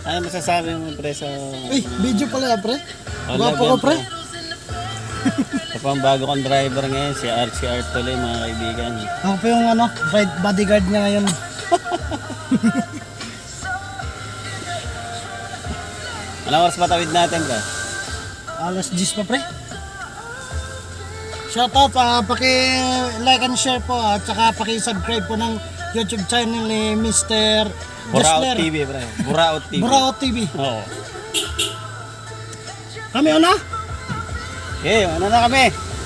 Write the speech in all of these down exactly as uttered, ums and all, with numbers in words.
Ano masasabi mo pre sa... Uy, video pala pre. Oh, Gwapo ko pre. Ito pa ang bago kong driver ngayon, si R C R tuloy mga kaibigan. Ako pa yung ano, ride bodyguard niya ngayon. Anong oras patawid natin ka? Alas diyes pa pre. Shout out, uh, paki-like and share po at saka paki-subscribe po ng YouTube channel ni Mister Buraot Jesler. T V pre. Buraot T V. Buraot T V. Oo. Kami una? Okay, ano na kami?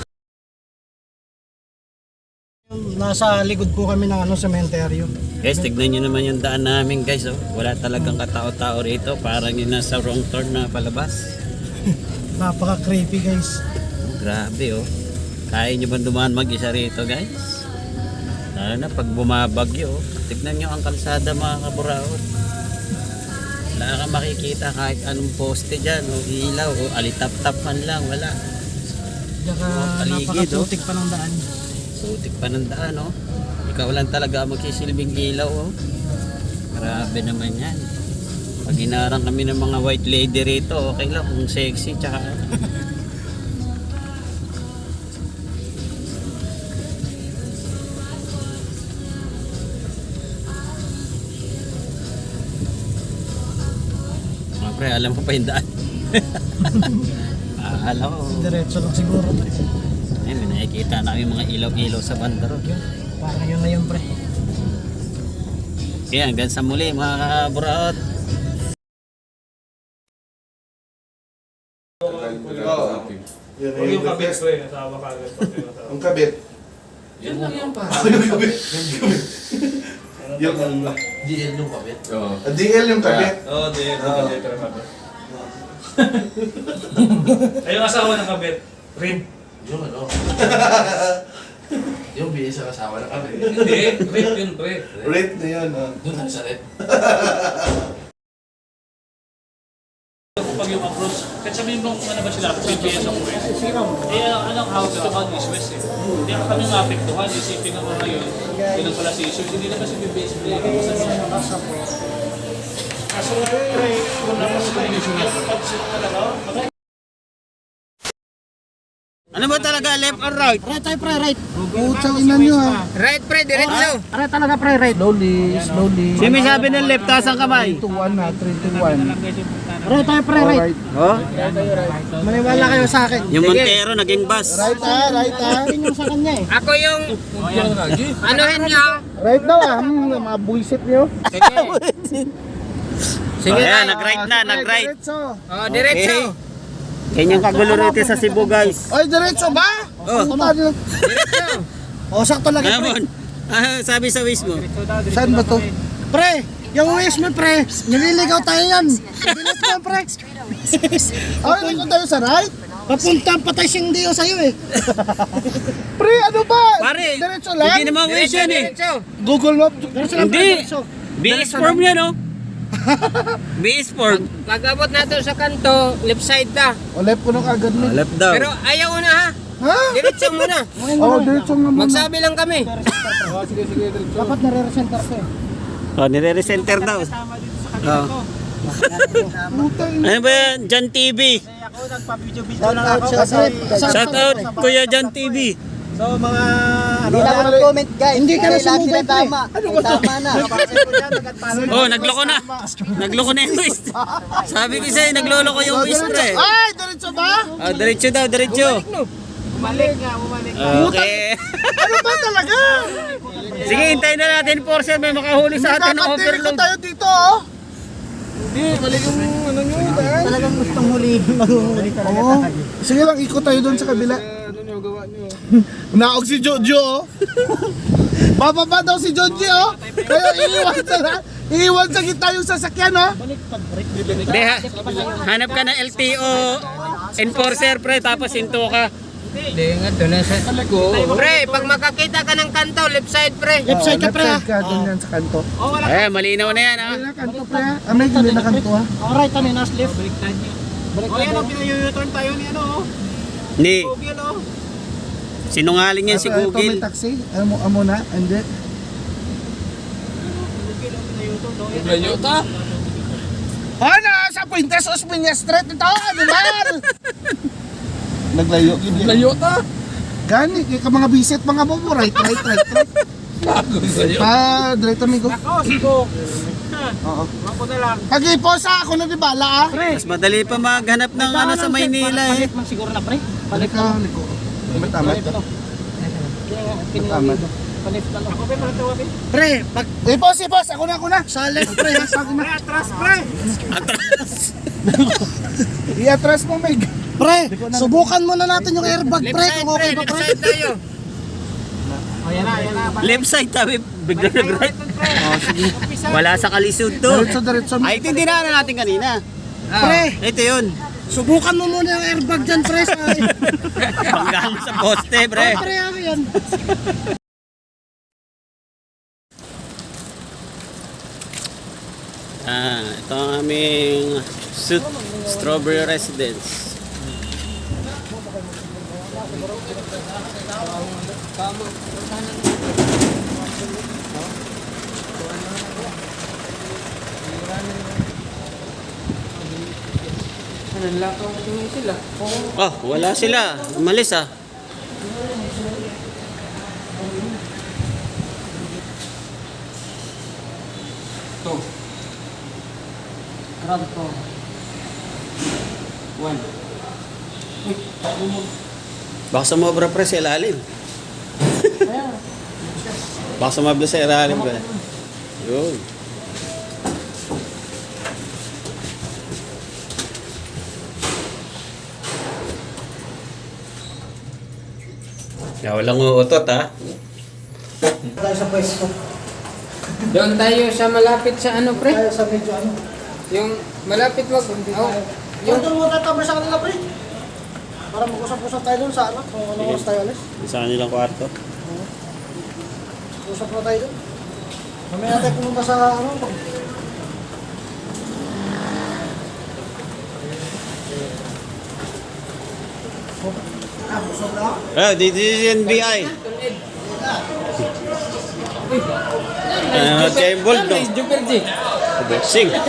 Nasa likod po kami ng ano, sementeryo. Guys, tignan nyo naman yung daan namin guys. Oh. Wala talagang katao-tao rito. Parang yung nasa wrong turn na palabas. Napaka-creepy guys. Grabe oh. Kaya nyo ba dumaan mag-isa rito guys? Lalo na pag bumabagyo oh. Tignan nyo ang kalsada mga kaburaot. Wala kang makikita kahit anong poste dyan o ilaw o alitap-tap man lang. Wala. Saka Paligid, napakatutik pa ng daan. Sutik pa ng daan oh. Ikaw lang talaga magsisilbing ilaw oh. Grabe naman yan. Pag inarang kami ng mga white lady rito, okay lang kung sexy tsaka mga pre, alam ko pa yung daan. ah, alam ko. Diretso lang siguro. Ay, may nakikita namin mga ilaw-ilaw sa banda ron. Parang yun na yun pre. Kaya hanggang sa muli mga kaburaot. Huwag yung kabit ko eh, natawa ka agad. Ang kabit. Yan lang yan pa. Yung kabit. Yung D L yung kabit? Oo. Ah, D L yung kabit. Oo, D L yung kabit. Ay, yung asawa ng kabit, Rin. Yung ano? Yung bihis sa asawa na kami. Hindi, Rin yun, pre. Rate na yun. ah. Doon tayo sa red. Pag yung approach, kahit sabihin mo kung ano ba sila, G P S ang west. Eh, anong house to on is west eh. Hindi ka kami maapektuhan, isipin nga mo ngayon, yun ang pala si Jesus, hindi naman si B B S play. Kaso, pre, kung napasin yung pag-sit talaga, mag- Ano ba talaga, left or right? Right tayo pre, right. Putsang inan nyo ha. Right pre, diretso. Right talaga pre, right. Slowly, slowly. Si may sabi ng left, taas ang kamay. three to one na, three to one. Right tayo pre, right. Oh, Maniwala kayo sa akin. yung Montero naging bus. Right ha, right ha. Yun yung sa kanya eh. Ako yung anuhin nyo. Right daw ah, hmm, mga buisit nyo. Sige. Sige Oh, ayan, tayo. nag-right na, nag-right. Diretso. Oh, diretso. Ganyan kagulo rito sa Cebu guys. Oy, diretso ba? Oh, Diretso. O, sakto lagi pre. Amon. Ah, sabi sa wish mo. Saan ba to? Pre, yung wish mo pre, nililigaw tayo yan. Bilis mo pre. Ay, hindi ko tayo sa right. Papunta ang patay siyang diyo sa'yo eh. Pre, ano ba? Pare, Diretso lang. hindi naman wish yan eh. Diretso. Google Map. Diretso lang pre, Hindi. diretso. B S form yan oh. B S form. Pag abot natin sa kanto, left side na. O left ko nung agad mo. Left daw. Pero ayaw mo na ha. Ha? Diretso muna. Oh, diretso nga muna. Magsabi lang kami. Dapat nare-recenter ko eh. Oh, nire-recenter daw. Oh. Ano ba yan? Jan T V. Shout out Kuya Jan T V. Hindi na ako comment guys. Hindi ka na sumubay pre. Ano ba to? Tama na. Oh, nagloko na. Nagloko na yung wish. Sabi ko sa'yo, nagloloko yung wish pre. Ay, diretso ba? Oh, diretso daw, diretso. Okay. Ano ba talaga? Sige, hintayin na natin Porsche. May makahuli sa atin ng Dapat dili ko overload. tayo dito oh. Hindi, mali yung ano nyo. Talagang gustong huli. Mag-huli talaga Oo. tayo. Sige lang, ikot tayo doon sa kabila. Naog si Jojo. oh. Bababa daw si Joji oh. Kaya iiwan sa iiwan sa gitna yung sasakyan oh. Hindi, ha, hanap ka ng L T O enforcer pre, tapos hinto ka. Hindi nga doon na sa... Pre, pag makakita ka ng kanto, left side pre. Left side ka Left pre ha. side ka doon yan sa kanto. Eh, malinaw na yan ha. May na kanto pre ha. Ah, may gili na kanto ha. Alright, kami nas left. O yan, ang pinayu-turn tayo ni ano, oh. Hindi, Google, oh. sinungaling yan si Ito, ito may Google. taxi. Amo amo na, hindi. Layo ta. Ha? Pintas Osmeña Street ito, animal! Naglayo. Yun yan. Layo ta. Gani, kaya ka mga bisit, mga bobo, right, right, right, right. Pa, direto amigo. Ako, sigo. Oo. Ako na lang. Pag-iposa ako na di bala ah. Pre, Mas madali pa maghanap ng ano sa Maynila eh. palit man siguro na pre. Palit Ikaw, liko. Tama, tama. Tama. Palit na lang. Ako pre, palit na pre. Pre, pag Ipos, ipos, ako na, ako na. Sa left, pre, ha, sa akin na. atras pre. I-atras mo, Meg. Pre, subukan muna natin yung airbag, pre, kung okay ba, Left pre. side tayo. O yan na, yan na. Left side tabi, bigla nag-right. Oh, sige. Wala sa kalisod to. Diretso, diretso. Ay, ito yung dinaanan natin kanina. Pre, Ito yun. subukan mo muna yung airbag dyan, pre. Sa... Banggaan mo sa poste, pre. Pre, ako yan. Ah, ito ang aming suit, Strawberry Residence. Ano lakaw tingin sila? Oh, wala sila. Umalis ah. Ito. Grab to. One. Baka sumobra pre sa ilalim. Baka sumobra sa ilalim ba? Yun. Ya, walang uutot ha. Tayo sa pwesto. Doon tayo sa malapit sa ano pre? Tayo sa medyo ano. Yung malapit wag. Oh, Yung doon mo tatamay sa kanila pre. Para mag-usap-usap tayo doon sa ano. Kung ano oras tayo alis. Sa kanilang kwarto. Usap na tayo doon. Mamaya natin pumunta sa ano. Ah, busog na ako. Ah, dito yung N B I. Ah, kay Bold no. Joker G. Boxing. Hindi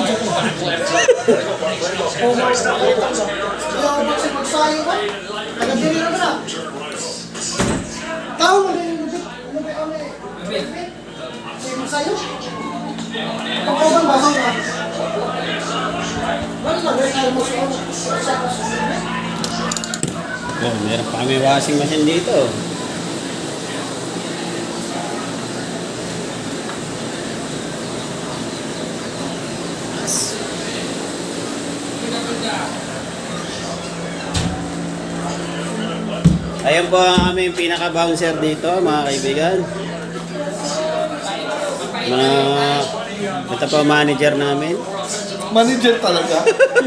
ako magsasayo ba? Taga-diri na na. Tao mo din yung lubit. Lubit kami. Sige masayo. Pagkawan ba sa mga? Wala na, wala tayo mo sa Oh, meron pa kami washing machine dito. Ayan po ang aming pinaka-bouncer dito, mga kaibigan. Mga, ito po ang manager namin. Manager talaga.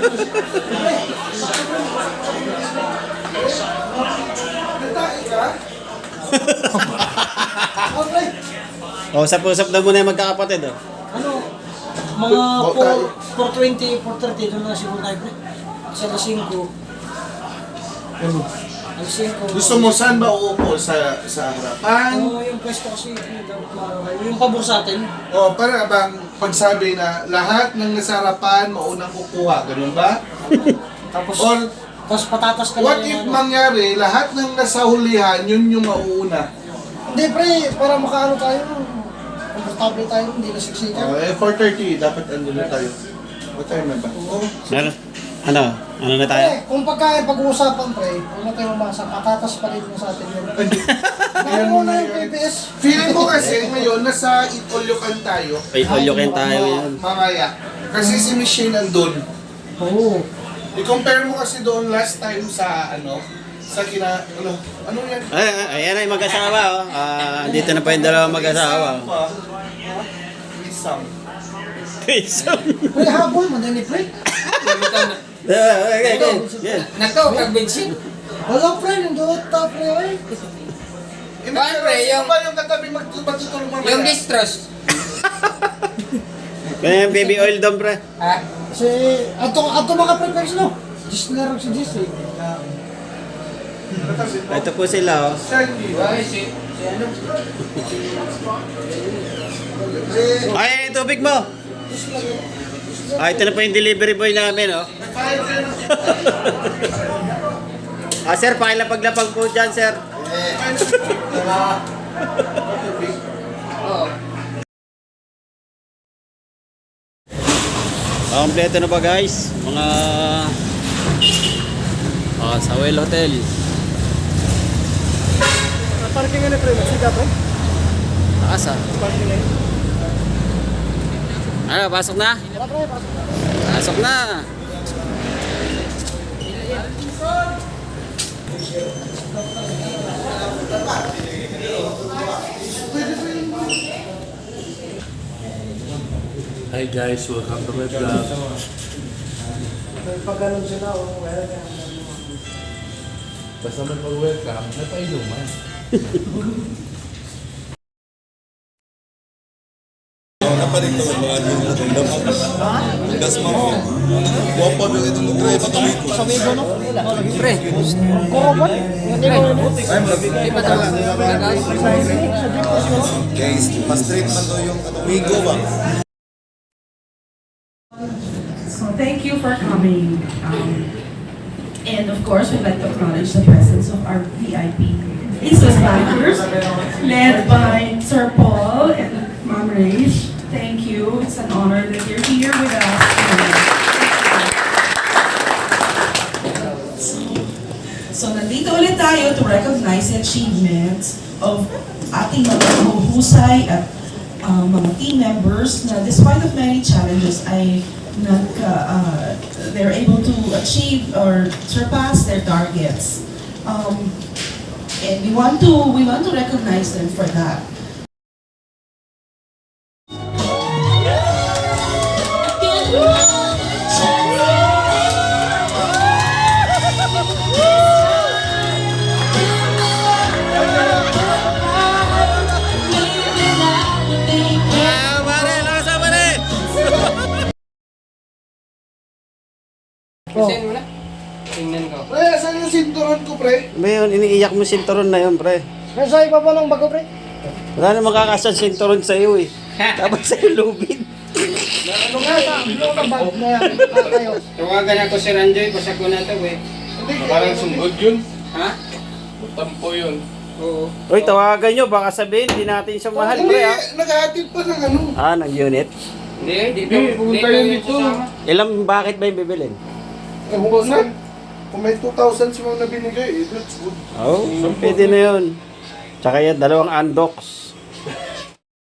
O, usap-usap na muna yung magkakapatid. Oh. Ano? Mga Bo- tayo. four twenty, four thirty, doon na siguro tayo pre. Sa alas cinco. Ano? Alas cinco. Gusto mo saan ba uupo? Sa, sa harapan? Oo, yung pwesto kasi, yung yung pabor sa atin. O para bang pagsabi na lahat ng nasa harapan maunang kukuha, ganun ba? Tapos, Or tapos patatas ka what lang if yung ano. mangyari, lahat ng nasa hulihan, yun yung mauuna? Hindi pre, para makaano tayo, komportable tayo, hindi na siksikan. Oh, eh, four thirty, dapat andun na tayo. What time na ba? Oo. Ano? Ano? Ano na tayo? Pre, kung pagka pag-uusapan pre, huwag na tayo umasa, patatas pa rin mo sa atin yun. Ngayon mo na yung P P S. Feeling ko kasi ngayon, nasa Itolyokan tayo. Ay, ulyokin tayo yan. Mamaya. Kasi si Michelle andun. Oo. I-compare mo kasi doon last time sa ano, sa kina, ano, ano yan? Ay, ay, ayan ay mag-asawa. Oh. Ah, dito na pa yung dalawang mag-asawa. Pa. Isang. Isang. Pre, habol, madali pre. Okay, okay. Yan. Nako, kag-bensin. Wala pre, nandun ta pre, ay. Hindi, Paano, pero pre, sino yung- ba yung katabi mag- magtutulong mamaya? Yung distros. Kaya yung baby oil doon, pre. Ha? Si, ato, ato mga pre-pers no. Just na si Jis eh. Ito po sila, oh. Siya hindi. Ay, si, si ano? Ay, tubig mo. Ah, ito na po yung delivery boy namin, oh. Ah, sir, pakilapaglapag po dyan, sir. Ah, kompleto na ba guys? Mga ah, sa Well Hotel. Parking nga na pre, masika pre. Taas ah. Parking na yun. Ano, pasok na? Tara pre, pasok. Pasok na. Hi guys, welcome to my vlog. Pag ganun sila, oh, welcome. Basta man pag-welcome, napainuman. Napanik naman mga din natin dapat. Das mo. Wapa mo ito mo try patuloy ko. Sa Wigo, no? Pre. Koroban? Hindi ko yun. Guys, mas straight man to yung Wigo ba? So thank you for coming. Um, and of course, we'd like to acknowledge the presence of our V I P Aces backers, led by Sir Paul and Ma'am Rach. Thank you. It's an honor that you're here with us. So nandito ulit tayo to recognize the achievements of ating mga mahuhusay at uh, mga team members na despite of many challenges ay nag, uh, they're able to achieve or surpass their targets. Um, and we want to we want to recognize them for that. Ah, pare, lakas na pare. Send mo na. Tingnan ko. Pre, saan yung sinturon ko, pre? Ba yun, iniiyak mo sinturon na yun, pre. Nasa iba pa ng bago pre. Wala na makakasya sinturon sa iyo eh. Dapat sa lubid. Ano nga sa ano ka bag na yan? Ah, kayo. Tawagan ako si Ranjoy, basta ko na ito eh. Parang sunggod yun. Ha? Tampo yun. Oo. Uy, tawagan nyo, baka sabihin, hindi natin siya mahal, Hindi, pre ha. naghahatid pa ng ano. Ah, ng unit. Hindi, di Hindi, pumunta yun dito. Ilang bakit ba yung bibilin? Eh, huwag na. Kung may two thousand si Ma'am na binigay, eh, that's good. Oh, pwede na yun. Tsaka yan, dalawang undocs.